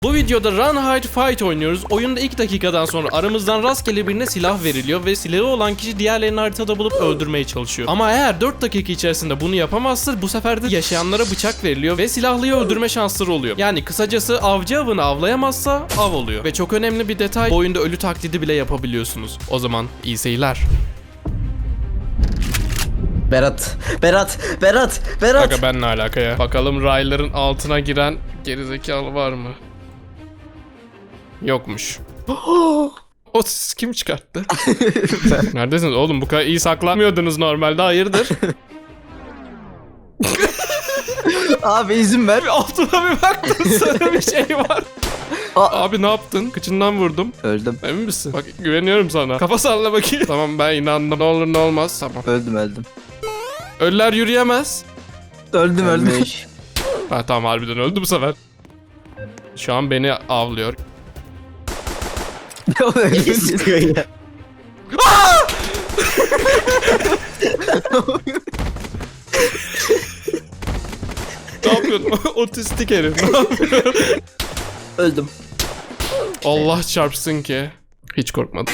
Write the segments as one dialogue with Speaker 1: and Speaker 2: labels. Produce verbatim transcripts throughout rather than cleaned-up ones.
Speaker 1: Bu videoda Run Hide Fight oynuyoruz. Oyunda ilk dakikadan sonra aramızdan rastgele birine silah veriliyor ve silahı olan kişi diğerlerini haritada bulup öldürmeye çalışıyor. Ama eğer dört dakika içerisinde bunu yapamazsa bu sefer de yaşayanlara bıçak veriliyor ve silahlıyı öldürme şansları oluyor. Yani kısacası avcı avını avlayamazsa av oluyor. Ve çok önemli bir detay, bu oyunda ölü taklidi bile yapabiliyorsunuz. O zaman iyi seyirler.
Speaker 2: Berat, Berat, Berat, Berat.
Speaker 1: Kanka ben ne alaka ya? Bakalım rayların altına giren gerizekalı var mı? Yokmuş. O siz kim çıkarttı? Neredesiniz oğlum? Bu kadar iyi saklanmıyordunuz normalde, hayırdır?
Speaker 2: Abi izin ver.
Speaker 1: Bir altına bir baktım, sarı bir şey var.
Speaker 2: Aa.
Speaker 1: Abi ne yaptın? Kıçından vurdum.
Speaker 2: Öldüm.
Speaker 1: Emin misin? Bak güveniyorum sana. Kafa salla bakayım. Tamam ben inandım. Ne olur ne olmaz. Tamam.
Speaker 2: Öldüm, öldüm.
Speaker 1: Ölüler yürüyemez.
Speaker 2: Öldüm, öldüm.
Speaker 1: Ha tamam, harbiden öldü bu sefer. Şu an beni avlıyor.
Speaker 2: Öyle sıkıyor ya.
Speaker 1: Ne yapıyorsun? Otistik herif. Ne yapıyorsun?
Speaker 2: Öldüm.
Speaker 1: Allah çarpsın ki. Hiç korkmadım.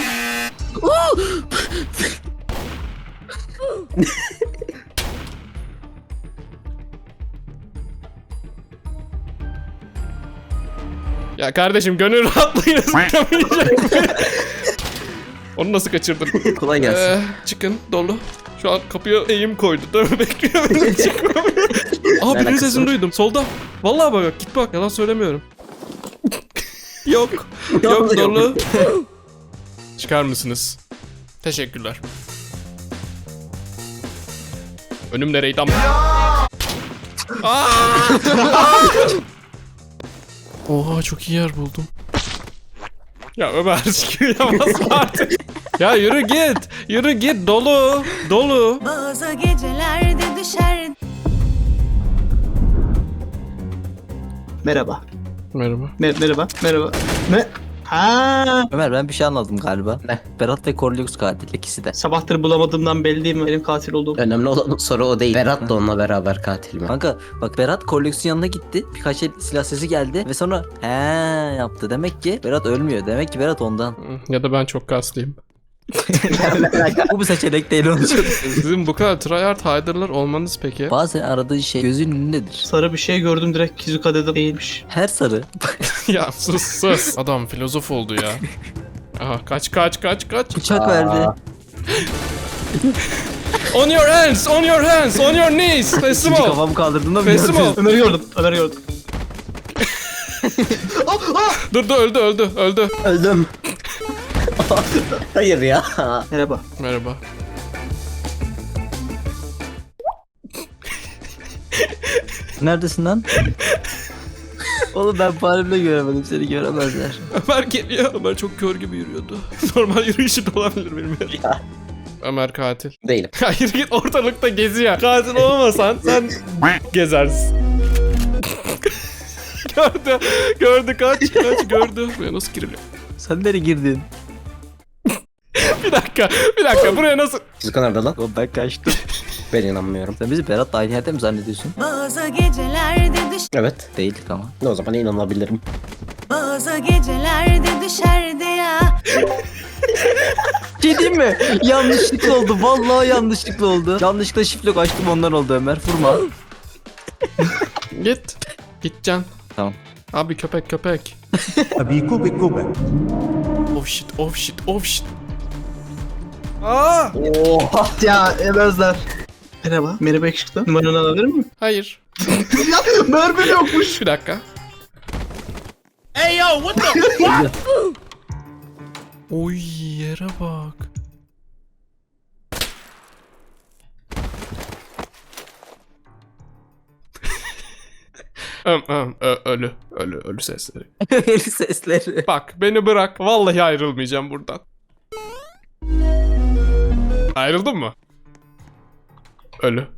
Speaker 1: Ya kardeşim gönül rahatlığıyla sıkamayacak. Onu nasıl kaçırdın?
Speaker 2: Kolay gelsin.
Speaker 1: Ee, çıkın dolu. Şu an kapıya eğim koydu. Dövme bekliyor beni, çıkmamıyor. Aa birinin
Speaker 2: alakası
Speaker 1: sesini
Speaker 2: var?
Speaker 1: duydum. Solda. Vallahi bak, git bak. Yalan söylemiyorum. Yok. Yok dolu. Çıkar mısınız? Teşekkürler. Önüm nereydi ama? Aa! Oha çok iyi yer buldum. Ya Ömer çıkıyamaz artık. Ya yürü git. Yürü git, dolu. Dolu.
Speaker 3: Bazı gecelerde düşer.
Speaker 4: Merhaba.
Speaker 1: Merhaba.
Speaker 4: Mer- merhaba. Merhaba. Ne? Ha.
Speaker 2: Ömer, ben bir şey anladım galiba.
Speaker 4: Ne?
Speaker 2: Berat ve Cornelius katil ikisi de.
Speaker 4: Sabahtır bulamadığımdan belli değil mi benim katil olduğum?
Speaker 5: Önemli olan soru o değil. Berat da onunla beraber katil mi?
Speaker 2: Kanka bak, Berat Cornelius'un yanına gitti. Birkaç el silah sesi geldi ve sonra he yaptı. Demek ki Berat ölmüyor. Demek ki Berat ondan.
Speaker 1: Ya da ben çok kaslıyım.
Speaker 2: Bu bir seçenek değil, onu söyleyeyim.
Speaker 1: Sizin bu kadar tryhard hider'lar olmanız peki?
Speaker 2: Bazen aradığı şey gözünün önündedir.
Speaker 4: Sarı bir şey gördüm, direkt Kizuka dedim, değilmiş.
Speaker 2: Her sarı.
Speaker 1: Ya sus sus. Adam filozof oldu ya. Aha kaç kaç kaç kaç.
Speaker 2: Bıçak verdi.
Speaker 1: On your hands, on your hands, on your knees. Teslim
Speaker 2: İkinci
Speaker 1: ol.
Speaker 2: kafamı kaldırdığımda
Speaker 1: Teslim ol.
Speaker 4: Ömer'i gördüm. Ömer'i gördüm.
Speaker 1: Dur dur, öldü öldü öldü.
Speaker 5: Öldüm. Hayır ya.
Speaker 4: Merhaba.
Speaker 1: Merhaba.
Speaker 2: Neredesin lan? Oğlum ben falimle göremedim, seni göremezler.
Speaker 1: Ömer geliyor. Ömer çok kör gibi yürüyordu. Normal yürüyüşü de olabilir bilmiyorum. Ömer katil.
Speaker 5: Değilim.
Speaker 1: Hayır git, ortalıkta geziyor. Katil olmasan sen gezersin. Gördü. Gördü, kaç kaç gördü. Buraya nasıl giriliyor?
Speaker 2: Sen nereye girdin?
Speaker 1: Bir dakika. Bir dakika. Buraya nasıl?
Speaker 5: Kizuka nerede lan?
Speaker 2: Oğlum ben kaçtım.
Speaker 5: Ben inanmıyorum.
Speaker 2: Sen bizi Berat'la aynı yerde mi zannediyorsun?
Speaker 3: Bazı gecelerde düş.
Speaker 5: Evet.
Speaker 2: Değildik ama.
Speaker 5: O zaman inanabilirim.
Speaker 3: Bazı gecelerde düşerdi ya.
Speaker 2: Şey diyeyim mi? Yanlışlıkla oldu. Vallahi yanlışlıkla oldu. Yanlışlıkla şifre açtım, ondan oldu Ömer. Vurma.
Speaker 1: Git. Gideceksin.
Speaker 2: Tamam.
Speaker 1: Abi köpek köpek.
Speaker 6: Abi köpek köpek.
Speaker 1: Oh shit, oh shit, oh shit. Aa!
Speaker 4: Oha. Ya Emezler. Merhaba. Merhaba yakışıklı. Numaranı alabilir miyim?
Speaker 1: Hayır.
Speaker 4: Ya mermi yokmuş.
Speaker 1: Bir dakika. Oy yere bak. Öm, öm, ö- ölü, ölü, ölü sesleri.
Speaker 2: El sesleri.
Speaker 1: Bak beni bırak. Vallahi ayrılmayacağım buradan. Ayrıldın mı? Ölü.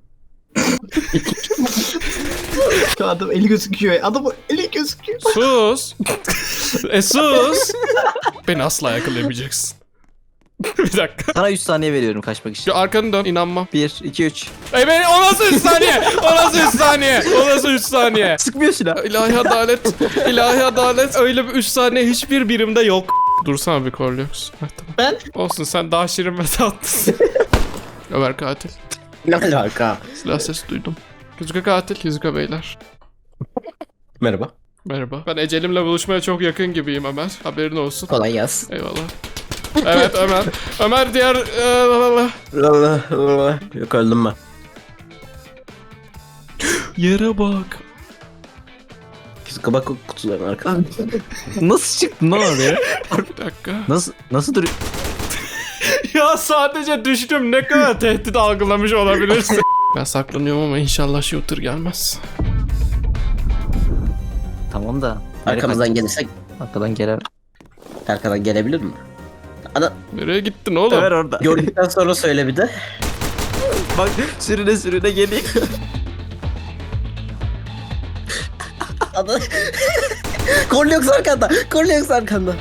Speaker 4: Adam eli gözüküyor. Adam eli gözüküyor.
Speaker 1: Sus. E sus. Beni asla yakalayamayacaksın. Bir dakika.
Speaker 2: Sana üç saniye veriyorum kaçmak için.
Speaker 1: Şu arkanı dön, inanmam.
Speaker 2: bir, iki, üç.
Speaker 1: Ey ben, o nasıl üç saniye? O nasıl üç saniye? O nasıl üç saniye?
Speaker 2: Sıkmıyor silah.
Speaker 1: İlahi adalet, ilahi adalet. Öyle bir üç saniye hiçbir birimde yok. Dursana bir Corlux. Heh, tamam.
Speaker 4: Ben?
Speaker 1: Olsun, sen daha şirin ve tatlısın. Ömer katil.
Speaker 5: Ne alaka?
Speaker 1: Silah sesi duydum. Kizuka katil. Kizuka beyler.
Speaker 5: Merhaba.
Speaker 1: Merhaba. Ben ecelimle buluşmaya çok yakın gibiyim Ömer. Haberin olsun.
Speaker 5: Kolay gelsin.
Speaker 1: Eyvallah. Evet Ömer. Ömer diğer... Ee,
Speaker 5: Allah Allah. Yok öldüm ben.
Speaker 1: Yere bak.
Speaker 5: Kizuka bak o kutuların arkasında.
Speaker 2: Nasıl çıktın lan oraya?
Speaker 1: Bir dakika.
Speaker 2: Nasıl nasıl duruyor?
Speaker 1: Ya sadece düştüm. Ne kadar tehdit algılamış olabilirsin. Ben saklanıyorum ama inşallah shooter gelmez.
Speaker 2: Tamam da.
Speaker 5: Arkamızdan gelirsek
Speaker 2: Arkadan gelen.
Speaker 5: arkadan gelebilir mi? Ana
Speaker 1: Nereye gittin oğlum?
Speaker 2: Ömer orada.
Speaker 5: gördükten sonra söyle bir de.
Speaker 2: Bak sürüne sürüne geliyor.
Speaker 5: Ana. Corlux arkanda. Corlux arkanda.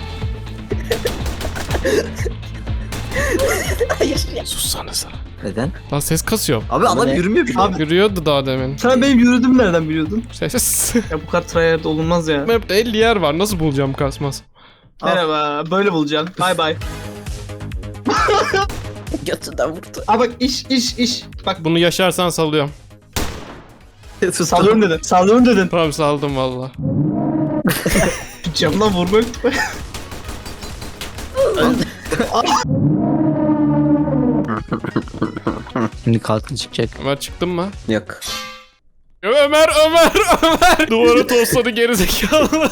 Speaker 5: Hayır.
Speaker 1: Sussanıza.
Speaker 2: Neden?
Speaker 1: Lan ses kasıyor.
Speaker 2: Abi adam
Speaker 5: ne?
Speaker 2: yürümüyor bile.
Speaker 4: Abi
Speaker 1: Yürüyordu daha demin.
Speaker 4: sen benim yürüdüğümü nereden biliyordun?
Speaker 1: Ses.
Speaker 4: Ya bu kadar tryhard olunmaz ya.
Speaker 1: Map'te elli yer var. Nasıl bulacağım kasmaz?
Speaker 4: Merhaba. Böyle bulacaksın. Bay bay.
Speaker 5: Götünden vurdu.
Speaker 4: Aa bak iş iş iş. Bak
Speaker 1: Bunu yaşarsan salıyorum.
Speaker 4: sallıyorum dedin. Sallıyorum dedin.
Speaker 1: Tamam saldım valla.
Speaker 4: Camdan vurma yok.
Speaker 2: Şimdi katil çıkacak.
Speaker 1: Ömer çıktın mı?
Speaker 5: Yok.
Speaker 1: Ömer Ömer Ömer. Duvara tosladı gerizekalı.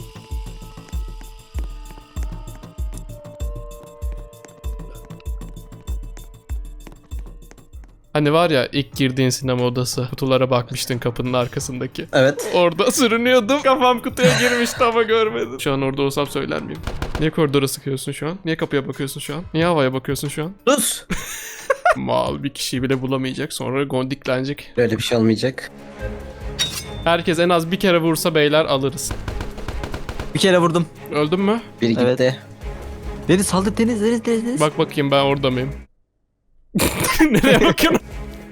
Speaker 1: Hani var ya ilk girdiğin sinema odası, kutulara bakmıştın kapının arkasındaki.
Speaker 5: Evet.
Speaker 1: Orada sürünüyordum. Kafam kutuya girmişti ama görmedim. Şu an orada olsam söyler miyim? Niye koridora sıkıyorsun şu an? Niye kapıya bakıyorsun şu an? Niye havaya bakıyorsun şu an?
Speaker 5: Sus.
Speaker 1: Mal bir kişiyi bile bulamayacak. Sonra gondiklenecek.
Speaker 5: Böyle bir şey olmayacak.
Speaker 1: Herkes en az bir kere vursa beyler alırız.
Speaker 2: Bir kere vurdum.
Speaker 1: Öldün mü?
Speaker 5: Biri
Speaker 2: Evet.
Speaker 5: gitti.
Speaker 2: Deniz saldır Deniz Deniz Deniz Deniz.
Speaker 1: Bak bakayım ben orada mıyım? Nereye bakıyorsun?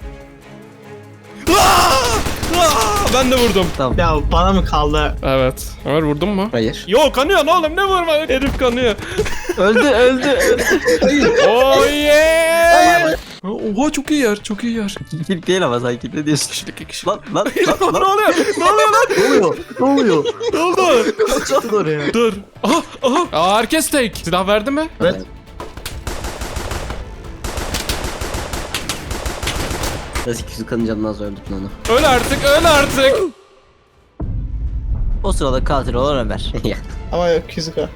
Speaker 1: Aa! Aa! Ben de vurdum.
Speaker 2: Tamam.
Speaker 4: Ya bana mı kaldı?
Speaker 1: Evet. Ömer vurdun mu?
Speaker 5: Hayır.
Speaker 1: Yo kanıyor oğlum ne vurma? Herif kanıyor.
Speaker 2: öldü öldü. öldü.
Speaker 1: Oh yeah! Oha çok iyi yer. Çok iyi yer.
Speaker 2: İlk değil ama sanki ne diyorsun?
Speaker 1: Kişilik iki kişi.
Speaker 2: Lan lan lan
Speaker 1: ne
Speaker 2: lan.
Speaker 1: oluyor? Ne oluyor lan?
Speaker 2: Ne oluyor? Ne oluyor?
Speaker 1: Ne oldu?
Speaker 2: Kaçtın oraya.
Speaker 1: Dur. Aha aha. Aa, herkes tek. Silah verdi mi?
Speaker 4: Evet.
Speaker 5: Nasıl Kizuka'nın canını az öldürdün onu.
Speaker 1: Öl artık öl artık.
Speaker 2: O sırada katil olan Ömer.
Speaker 5: Ya.
Speaker 4: Ama yok Kizuka.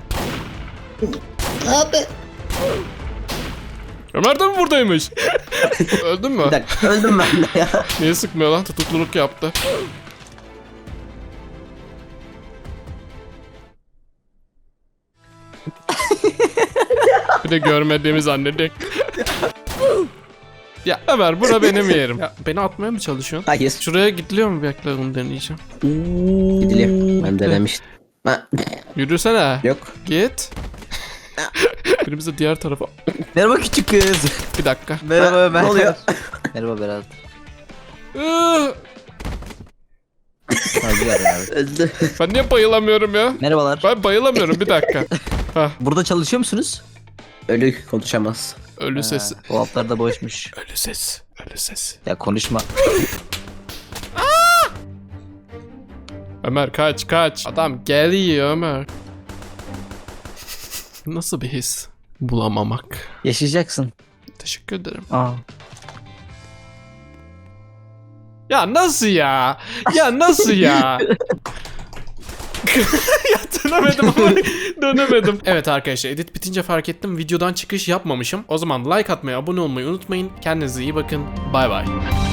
Speaker 1: Ömer de mi buradaymış? Öldün mü?
Speaker 5: Bir dakika öldüm ben de ya.
Speaker 1: Niye sıkmıyor lan? Tutukluluk yaptı. Bir de görmediğimi zannedecek. Ya Ömer bura benim yerim. Ya beni atmaya mı çalışıyorsun?
Speaker 5: Hayır.
Speaker 1: Şuraya gidiliyor mu? Bekle onu deneyeceğim.
Speaker 5: Gidiliyor. Ben denemiştim. Ha.
Speaker 1: Yürüsene.
Speaker 5: Yok.
Speaker 1: Git. Birimiz de diğer tarafa.
Speaker 2: Merhaba küçük kız.
Speaker 1: Bir dakika.
Speaker 2: Merhaba
Speaker 5: Ha,
Speaker 2: Ömer.
Speaker 5: ne oluyor?
Speaker 2: Merhaba Berat.
Speaker 1: Iıı,
Speaker 2: Hadi ver abi.
Speaker 5: Öldü.
Speaker 1: Ben niye bayılamıyorum ya?
Speaker 2: Merhabalar.
Speaker 1: Ben bayılamıyorum bir dakika. Hah,
Speaker 2: Burada çalışıyor musunuz?
Speaker 5: Ölü konuşamaz.
Speaker 1: ölü sesi.
Speaker 2: Ha, o altlar da boşmuş.
Speaker 1: Ölü ses. Ölü ses.
Speaker 2: Ya konuşma.
Speaker 1: Ömer kaç kaç. Adam geliyor Ömer. Nasıl bir his? Bulamamak.
Speaker 2: Yaşayacaksın.
Speaker 1: Teşekkür ederim.
Speaker 2: Aa.
Speaker 1: Ya nasıl ya? Ya nasıl ya? Ya dönemedim ama dönemedim. Evet arkadaşlar edit bitince fark ettim videodan çıkış yapmamışım. O zaman like atmayı, abone olmayı unutmayın. Kendinize iyi bakın. Bay bay.